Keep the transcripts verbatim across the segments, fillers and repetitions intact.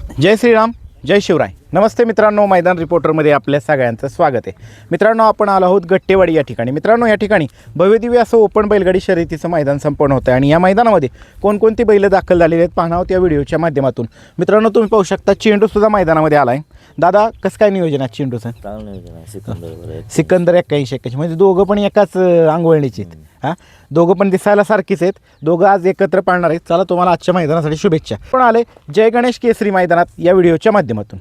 जय श्रीराम, जय शिवराय. नमस्ते मित्रांनो, मैदान रिपोर्टरमध्ये आपल्या सगळ्यांचं स्वागत आहे. मित्रांनो, आपण आलो आहोत गट्टेवाडी या ठिकाणी. मित्रांनो, या ठिकाणी भव्यदिव्य असं ओपन बैलगाडी शर्यतीचं मैदान संपन्न होतं आहे आणि या मैदानामध्ये कोणकोणती बैलं दाखल झालेली आहेत पाहणार आहोत या व्हिडिओच्या माध्यमातून. मित्रांनो, तुम्ही पाहू शकता चेंडूसुद्धा मैदानामध्ये आला आहे. दादा, कसं काय नियोजन आहे चेंडूचं? चांगलं नियोजन आहे. सिकंदर सिकंदर एक्क्याऐंशी एक्क्याऐंशी म्हणजे दोघं पण एकाच अंगवळणीचे आहेत. हां, दोघं पण दिसायला सारखीच आहेत. दोघं आज एकत्र पाळणार आहेत. चला, तुम्हाला आजच्या मैदानासाठी शुभेच्छा. पण आले जय गणेश केसरी मैदानात या व्हिडिओच्या माध्यमातून.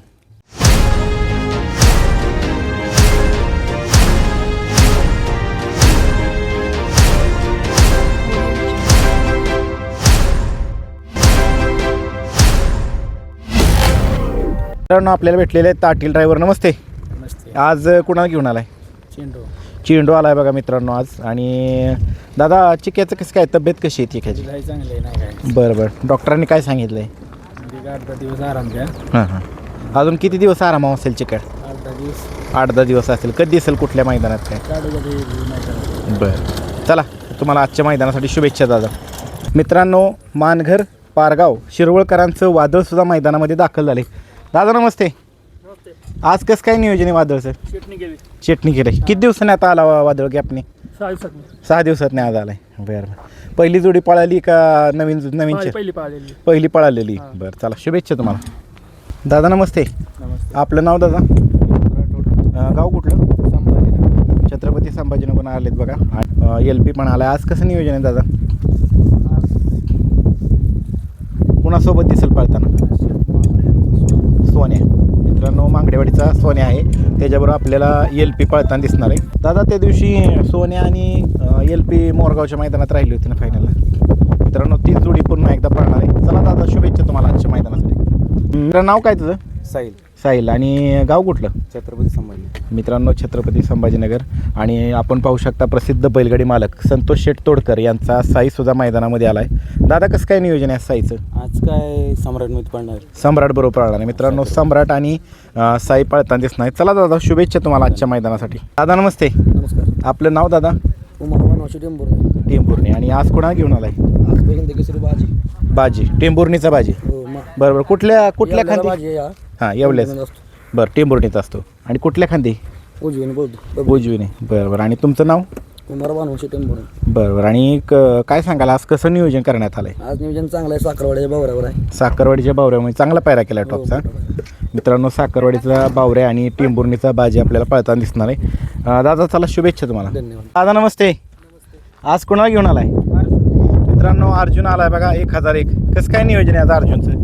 मित्रांनो, आपल्याला भेटलेले आहेत ताटील ड्रायव्हर. नमस्ते. नमस्ते. आज कुणाला घेऊन आलाय? चेंडू चेंडू आलाय बघा मित्रांनो आज. आणि दादा, चिक्याचं कसं काय, तब्येत कशी आहे चिक्याची? काही चांगले नाही काय बरं बरं, डॉक्टरांनी काय सांगितलंय? म्हणजे आठ दहा दिवस आराम द्या. हां हां, अजून किती दिवस आराम असेल चिकट? आठ दहा दिवस आठ दहा दिवस असेल. कधी दिसेल कुठल्या मैदानात काय? काढू कधी नाही करत. बरं, चला तुम्हाला आजच्या मैदानासाठी शुभेच्छा दादा. मित्रांनो, मानघर पारगाव शिरवळकरांचं वादळसुद्धा मैदानामध्ये दाखल झाले. दादा नमस्ते. आज कसं काय नियोजन आहे वादळचं? चटणी घ्यावी. चटणी केली. किती दिवसांनी आता आला वा- वादळ गॅपने? सहा दिवसात सहा दिवसात नाही आज आलाय. बरं बरं, पहिली जोडी पळाली का नवीन नवीन चे- पहिली पाहिलेली. पहिली पळालेली? बरं, चला शुभेच्छा तुम्हाला. दादा नमस्ते. नमस्ते. आपलं नाव दादा? अं, गाव कुठलं? संभाजीनगर. छत्रपती संभाजीनगर आलेत बघा. एल पी पण आलाय. आज कसं नियोजन आहे दादा? कुणासोबत दिसेल पळताना? सोन्या. मित्रांनो, मांगडेवाडीचा सोन्या आहे, त्याच्याबरोबर आपल्याला एल पी पळताना दिसणार आहे. दादा, त्या दिवशी सोन्या आणि एल पी मोरगावच्या मैदानात राहिली होती ना फायनलला. मित्रांनो, तीच जोडी पुन्हा एकदा पळणार आहे. चला दादा, शुभेच्छा तुम्हाला आजच्या मैदानासाठी. मित्रांनो, नाव काय तुझं? साहिल. साहिल. आणि गाव कुठलं? छत्रपती संभाजी. मित्रांनो, छत्रपती संभाजीनगर. आणि आपण पाहू शकता प्रसिद्ध बैलगाडी मालक संतोष शेठ तोडकर यांचा साईसुद्धा मैदानामध्ये आला आहे. दादा, कसं काय नियोजन आहे साईचं? आज काय सम्राटमध्ये पडणार. सम्राट बरोबर पळणार आहे. मित्रांनो, सम्राट आणि अं, साई पळताना दिसणार आहे. चला दादा, शुभेच्छा तुम्हाला आजच्या मैदानासाठी. दादा नमस्ते. नमस्कार. आपलं नाव दादा? उमरवान वशी टेंबूर. टेंभुर्णी. आणि आज कोणा घेऊन आलाय? आज पहिल्यांदा केसरी बाजी. बाजी, टेंभुर्णीचा बाजी. हो मग बरं बरं, कुठल्या कुठल्या खांदी? बाजी या हां, एवढ्याच. बरं, टेंभुर्णीचा असतो. आणि कुठल्या खांदी? उजवीने बोलतो. उजवीने. बरं बरं. आणि तुमचं नाव? उमरवान वशी टेंबूर. बरं बरं. आणि क- काय सांगाल, आज कसं नियोजन करण्यात आलं आहे? आज नियोजन चांगलं आहे. साखरवाड्याच्या भावऱ्यावर आहे. साखरवाडीच्या बावऱ्यामध्ये चांगला पायरा केला टॉपचा. मित्रांनो, साखरवाडीचा बावऱ्या आणि टेंभुर्णीचा बाजी आपल्याला पळताना दिसणार आहे. अं, दादा, चला शुभेच्छा तुम्हाला. धन्यवाद. दादा नमस्ते. आज कोणाला घेऊन आलाय? मित्रांनो, अर्जुन आलाय बघा, एक हजार एक. कसं काय नियोजन आहे आज अर्जुनचं?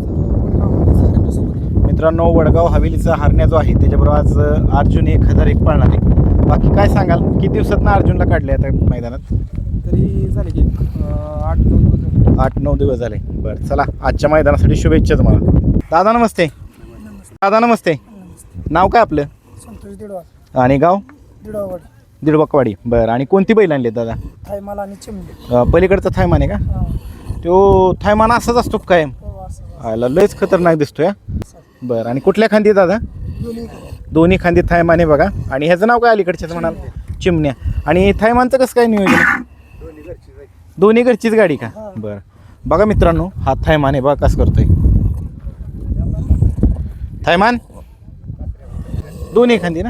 मित्रांनो, वडगाव हवेलीचा हरण्या जो आहे त्याच्याबरोबर आज अर्जुन एक हजार एक पळणार आहे. बाकी काय सांगाल, किती दिवसात ना अर्जुनला काढले आता मैदानात? तरी झाले की आठ नऊ दिवस. आठ नऊ दिवस झाले. बरं, चला आजच्या मैदानासाठी शुभेच्छा तुम्हाला. दादा नमस्ते. दादा नमस्ते. नाव काय आपलं? संतोष दिडवा. आणि गाव? दिडवावाडी. दिडबकवाडी. बरं. आणि कोणती बैल आणली दादा? थायमाल आणि चिमणी. अं, पलीकडचा थायमान आहे का? तो थायमान असाच असतो का कायम? आला, लयच खतरनाक दिसतोय. बरं. आणि कुठल्या खांदी दादा? दोन्ही खांदी थायमान आहे बघा. आणि ह्याचं नाव काय अलीकडच्याच म्हणाल? चिमण्या. आणि थायमानचं कसं काय नियोजन आहे? दोन्ही घरचीच गाडी का? बरं. बघा मित्रांनो, हा थायमान आहे बघा कसं करतोय. थायमान दोन्ही खांदी ना?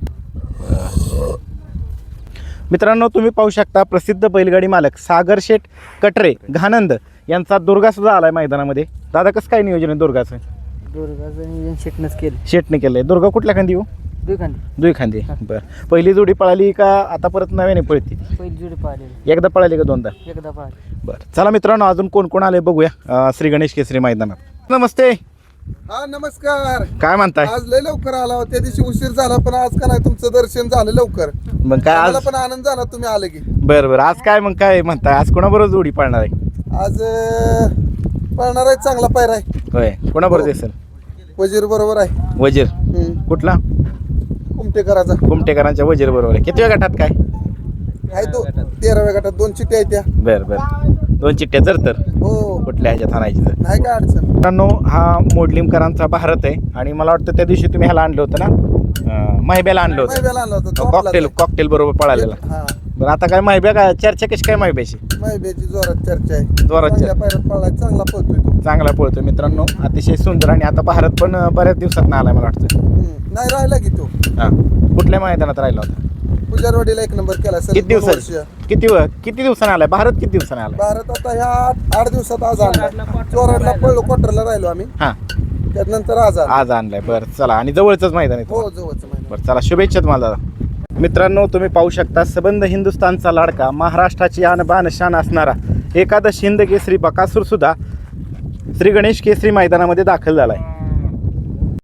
मित्रांनो, तुम्ही पाहू शकता प्रसिद्ध बैलगाडी मालक सागर शेठ कटरे घानंद यांचा दुर्गा सुद्धा आलाय मैदानामध्ये. दादा, कसं काय नियोजन आहे दुर्गाचं? दुर्गाचं नियोजन शेटनंच केलं. शेठने केलंय. दुर्गा कुठल्या खांदी हो? दुखांडी. दुई खांदी. बरं. पहिली जोडी पळाली का आता परत नव्याने पळती? पहिली जोडी पाहिलेली. एकदा पळाली का दोनदा? एकदा पाहिली. बरं, चला मित्रांनो, अजून कोण कोण आले बघूया अं, श्री गणेश केसरी मैदानात. नमस्ते. हा नमस्कार. काय म्हणताय? आज लय लवकर आला हो. त्या दिवशी उशीर झाला, पण आज का नाही तुमचं दर्शन झालं लवकर. मग काय आज? मला पण आनंद झाला तुम्ही आले की. बरं बरं. आज काय मग काय म्हणताय, आज कोणाबरोबर जोडी पळणार आहे? आज अं, पळणार आहे चांगला पायरा आहे. होय, कोणाबरोबर दिसेल? वजीर बरोबर आहे. वजीर. हम्म. कुठला? कुमटेकराचा कुमटेकरांच्या वजीर बरोबर आहे. किती वेळ गटात काय? आहे तो तेराव्या गटात दोन चिठ्ठ्या आहेत त्या. बरं बरं. दोन चिठ्ठ्या जर तर हो, कुठल्या ह्याच्यात आणायची तर? नाही काय अडचण. मित्रांनो, हा मोडलिमकरांचा भारत आहे. आणि मला वाटतं त्या दिवशी तुम्ही ह्याला आणलं होतं ना, अं, महिब्याला आणलं होतं. महिब्याला आणला होता तो कॉकटेल आपलाच आहे. कॉकटेल बरोबर पळालेला. हा बरं आता काय माहिती काय चर्चा कशी काय माहिती माहिती जोरात चर्चा आहे. जोरात चांगल्या चर्चा. पायऱ्यात पळाला चांगला पळतोय तो. चांगला पळतो मित्रांनो, अतिशय सुंदर. आणि आता भारत पण अं, बऱ्याच दिवसात आलाय मला वाटतं. हम्म. नाही राहिला की तो हां कुठल्या मैदानात राहिला होता? पुजारवाडीला एक नंबर केला सर. किती दिवसात किती व- किती दिवसाने आलाय भारत? किती दिवसाने आलाय? भारत आता ह्या आठ आठ दिवसात आज आणला. चोराडला पळलो, क्वार्टरला राहिलो आम्ही, हां त्यानंतर आज आणला. आज आणलाय. बरं चला, आणि जवळचंच मैदान आहे हो तुम्हाला. जवळच महिना. बरं चला, शुभेच्छा तुम्हाला दादा. मित्रांनो तुम्ही पाहू शकता सबंध हिंदुस्थानचा लाडका, महाराष्ट्राची आणबान शान असणारा एकादश हिंद केसरी बकासूर सुद्धा श्री गणेश केसरी मैदानामध्ये दाखल झालाय.